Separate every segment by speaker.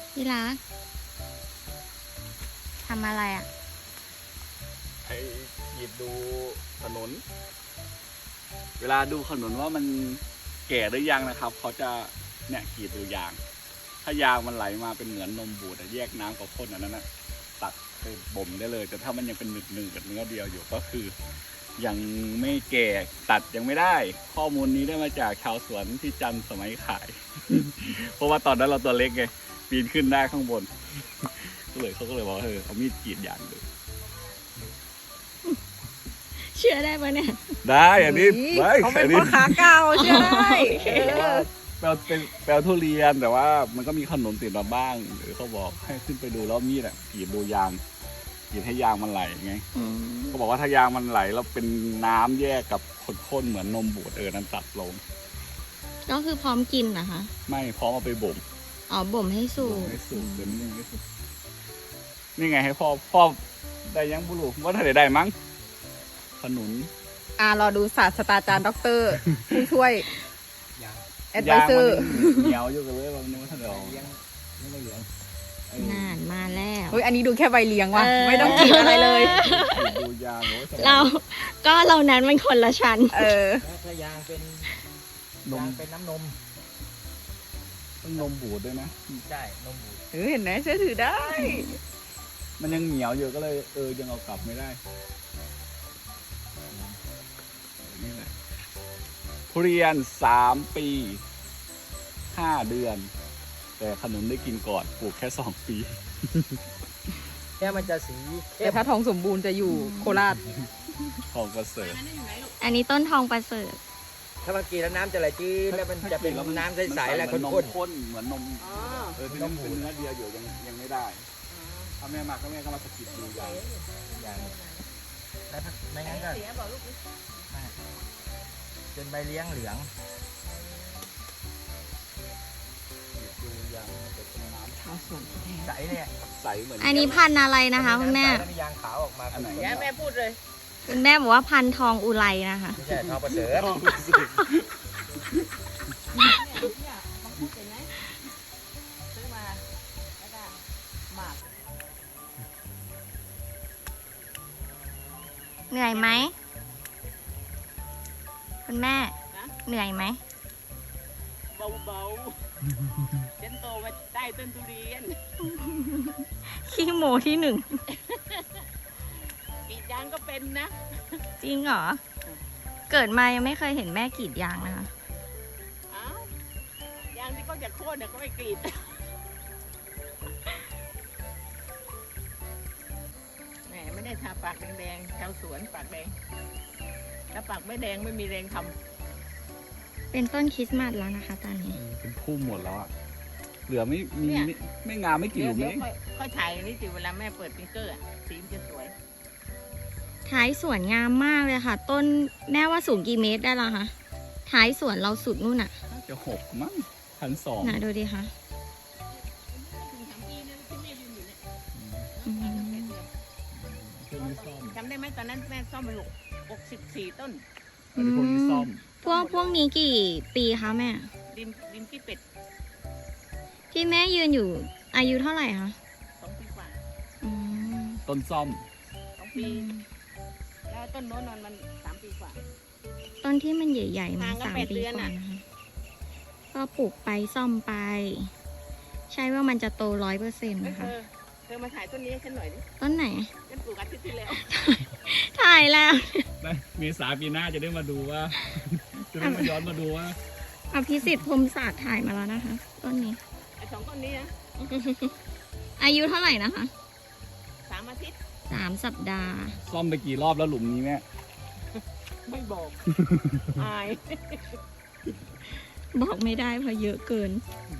Speaker 1: ที่รักทำอะไรอ่ะ
Speaker 2: ไอ้หยิบดูถนนเวลาดูถนนว่ามันแก่หรือยังนะครับเขาจะเนี่ยกรีดดูยางถ้ายางมันไหลมาเป็นเหมือนนมบูดแยกน้ำกับข้นอันนั้นนะตัดไปบ่มได้เลยแต่ถ้ามันยังเป็นหนึ่งกับเนื้อเดียวอยู่ก็คือยังไม่แก่ตัดยังไม่ได้ข้อมูลนี้ได้มาจากชาวสวนที่จันทร์สมัยขาย เพราะว่าตอนนั้นเราตัวเล็กไงปีนขึ้นได้ข้างบน เขาก็เลยบอกเอามีดกรีดยางดู
Speaker 1: เชื่อได้ปะเนี่ย
Speaker 2: ได้อันนี้
Speaker 3: เขาเป็นพ่อค้าเก่าเชื่อได้
Speaker 2: แปลทุเรียนแต่ว่ามันก็มีขนมติดมาบ้างหรือเขาบอกให้ขึ้นไปดูแล้วมีดกรีดดูยางกรีดให้ยางมันไหลไงเขาบอกว่าถ้ายางมันไหลแล้วเป็นน้ำแยกกับข้นๆเหมือนนมบูดนั้นตัดลง
Speaker 1: ก็คือพร้อมกินนะคะ
Speaker 2: ไม่พร้อมเอาไปบ่ม
Speaker 1: อ๋อบ่มให้สุ
Speaker 2: บ่ม
Speaker 1: ก
Speaker 2: ให้สุกเดี๋ยวนี้ยังไม่สุกนี่ไงให้พ่อได้ยังบุรุษว่าถ้าได้มั้งขนุน
Speaker 3: รอดูศาสตราจารย์ด็อกเตอร์ผู้ช่วยแอดไว
Speaker 2: ยาง
Speaker 3: เซอ
Speaker 2: มัน
Speaker 3: ร์
Speaker 2: เหนียวอยู่กันเลยว่ามันยังไม่ทันได้ออกยังไม่เหลือง
Speaker 1: นานมาแล้ว
Speaker 3: เฮ้ยอันนี้ดูแค่ใบเลี้ยงว่ะไม่ต้องกินอะไรเลย
Speaker 2: ดูยางโอ้ย
Speaker 1: เรานั้นมันคนละชั้น
Speaker 4: ถ้ายางเป็น
Speaker 2: นม
Speaker 4: ยางเป็นน้ำนม
Speaker 2: ต้องนมบูดด้วยนะ
Speaker 4: ได้นมบูด
Speaker 3: เห็นไหมเชื่อถือได้
Speaker 2: มันยังเหนียวอยู่ก็เลยยังเอากลับไม่ได้นี่แหละทุเรียน3 ปี5 เดือน แต่ขนุนได้กินก่อนปลูกแค่2 ปี
Speaker 4: แค่มันจะสี
Speaker 3: แต่ถ้าทองสมบูรณ์จะอยู่โคราช
Speaker 2: ทองประเสริฐ
Speaker 1: อันนี้ต้นทองประเสริฐ
Speaker 4: ถ้ามันกินแล้วน้ำจะไหลจืดแล้วมันจะเป็นน้ำใสๆแล้ว
Speaker 2: เหมือนนม
Speaker 4: ข้น
Speaker 2: ข้นเหมือนนมที่มันเป็นเนื้อเดียวอยู่ยังไม่ได้ถ้าแม่มาก็แม่ก็มาสะกิดดูยาง
Speaker 4: ๆอย่างแล้วถ้าไม่งั้นก็ไม่เป็นใบเลี้ยงเหลือง
Speaker 2: ดูยางมันจะเป็นน้ำ
Speaker 3: ชาวสวนแท้
Speaker 4: ใสเนี่ย
Speaker 2: ใสเหมือน
Speaker 1: อันนี้พันธุ์อะไรนะคะคุณแม่
Speaker 4: แล้วมียางขาวออกมา
Speaker 2: อันไหน
Speaker 4: แย่แม่พูดเลย
Speaker 1: คุณแม่บอกว่าพันธุ์ทองอุไรนะคะ
Speaker 4: ไม่ใช่ทอประเสริฐ
Speaker 2: ทองประเสริฐ
Speaker 1: เหนื่อยไหมคุณแม่เหนื่อยไหม
Speaker 5: เบาๆ ฉันโตมาได้ต้นทุเรียน
Speaker 1: ขี้โมที่ 1
Speaker 5: กรีดยางก็เป็นนะ
Speaker 1: จริงเหรอ เกิดมายังไม่เคยเห็นแม่กรีดยางนะคะ
Speaker 5: อ้าวยางที่เขาจะโค่นเนี่ยก็ไม่กรีด แหมไม่ได้ทาปากแดงๆชาวสวนปากแดง ถ้าปากไม่แดงไม่มีแรงทำ
Speaker 1: เป็นต้นคริสต์มาสแล้วนะคะตอนนี้
Speaker 2: เป็นพุ่มหมดแล้วอ่ะเหลือไม่งามไม่กี่ห
Speaker 5: เดี๋
Speaker 2: ลุ
Speaker 5: ยว
Speaker 2: ม
Speaker 5: เดี๋ยว
Speaker 2: เอง
Speaker 5: ค่อยถ่ายนี่สิเวลาแม่เปิดปิงเกอร์อะสีมันจะสวย
Speaker 1: ท้ายสวนงามมากเลยค่ะ ต้นแม่ว่าสูงกี่เมตรได้ละคะท้ายสวนเราสุดนู่นน่ะ
Speaker 2: น่าจะ6 มั้ง1,200
Speaker 1: นะดูดิคะ
Speaker 5: ถึง3 ปีนะที่แม่ยืนอยู่เนี่ย
Speaker 1: อืม
Speaker 2: พวกนี้ซ่อม
Speaker 5: จำได้ไหมตอนนั้นแม่ซ่อมไป64 ต้น
Speaker 2: อันนี้พวกนี้ซ่อม
Speaker 1: พวกนี้กี่ปีคะแม่
Speaker 5: ดินที่เป็ด
Speaker 1: ที่แม่ยืนอยู่อายุเท่าไหร่คะ
Speaker 5: 2 ปีกว่า
Speaker 1: อืม
Speaker 2: ต้นซ่อม
Speaker 5: 2 ปี แล้วต้นโน้นนอนมัน3 ปีกว่า
Speaker 1: ต้นที่มันใหญ่ๆมา
Speaker 5: ห่างกัน
Speaker 1: 3
Speaker 5: 8
Speaker 1: ปี
Speaker 5: เดือน
Speaker 1: กว่า
Speaker 5: น่ะ
Speaker 1: นะคะก็ปลูกไปซ่อมไป ใช่ว่ามันจะโต100%นะคะ
Speaker 5: เธอมาถ่ายต้นนี้ให้ฉันหน่อยดิ
Speaker 1: ต้นไหน
Speaker 5: ฉันปลูกอาทิตย์ที่แล้ว
Speaker 1: ถ่ายแล้ว
Speaker 2: เมษาปีหน้าจะได้มาดูว่า จะได้มาย้อนมาดูว่า
Speaker 1: อภิสิทธิ์พรหมศาสตร์ถ่ายมาแล้วนะคะ ต้นนี้
Speaker 5: ไอ้2 ต้นนี้นะ
Speaker 1: อายุเท่าไหร่นะคะ
Speaker 5: 3 อาทิตย์
Speaker 1: 3 สัปดาห์
Speaker 2: ซ่อมไปกี่รอบแล้วหลุมนี้แม่
Speaker 5: ไม่บอก อาย
Speaker 1: บอกไม่ได้เพราะเยอะเกิน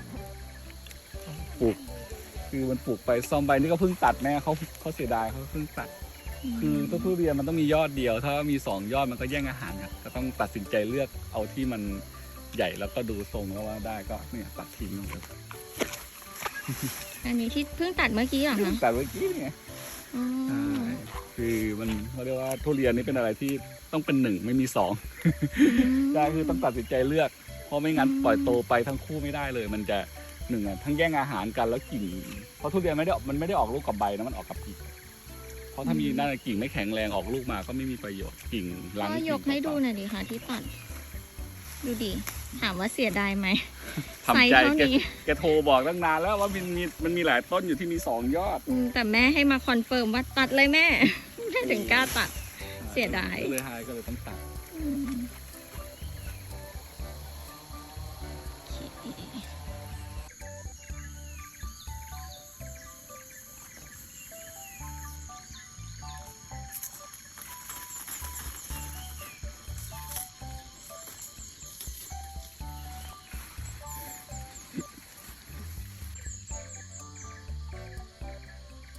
Speaker 2: ปลูกคือมันปลูกไปซ่อมไปนี่ก็เพิ่งตัดแม่เขาเสียดายเขาเพิ่งตัด คือต้นทุเรียนมันต้องมียอดเดียว ถ้ามี2 ยอดมันก็แย่งอาหารครับก็ต้องตัดสินใจเลือกเอาที่มันใหญ่แล้วก็ดูทรงแล้วว่าได้ก็เนี่ยตัดทิ้งเลย
Speaker 1: อันนี้ที่เพิ่งตัดเมื่อกี้เหรอคะ
Speaker 2: แต่เมื่อกี้เนี่ย
Speaker 1: อ๋อ
Speaker 2: ใช่คือมันเขาเรียกว่าทุเรียนนี่เป็นอะไรที่ต้องเป็น1ไม่มี2ได้คือต้องตัดสินใจเลือกเพราะไม่งั้นปล่อยโตไปทั้งคู่ไม่ได้เลย มันจะหนึ่งอ่ะทั้งแย่งอาหารกันแล้วกิ่งเพราะทุเรียนมันไม่ได้ออกลูกกับใบนะมันออกกับกิ่งเพราะถ้ามีด้านกิ่งไม่แข็งแรงออกลูกมาก็ไม่มีประโยชน์กิ่งรัง
Speaker 1: ก็ยกให้ดูหน่อยดิค่ะที่ตัด ดูดิ ถามว่าเสียดายไหม
Speaker 2: ทำใจ
Speaker 1: ไซส์เท่านี้
Speaker 2: แกโทรบอกตั้งนานแล้วว่ามันมีหลายต้นอยู่ที่มี2 ยอด
Speaker 1: แต่แม่ให้มาคอนเฟิร์มว่าตัดเลยแม่ แม่ถึงกล้าตัด เสียดาย
Speaker 2: ก็เลยต้องตัด
Speaker 1: อืม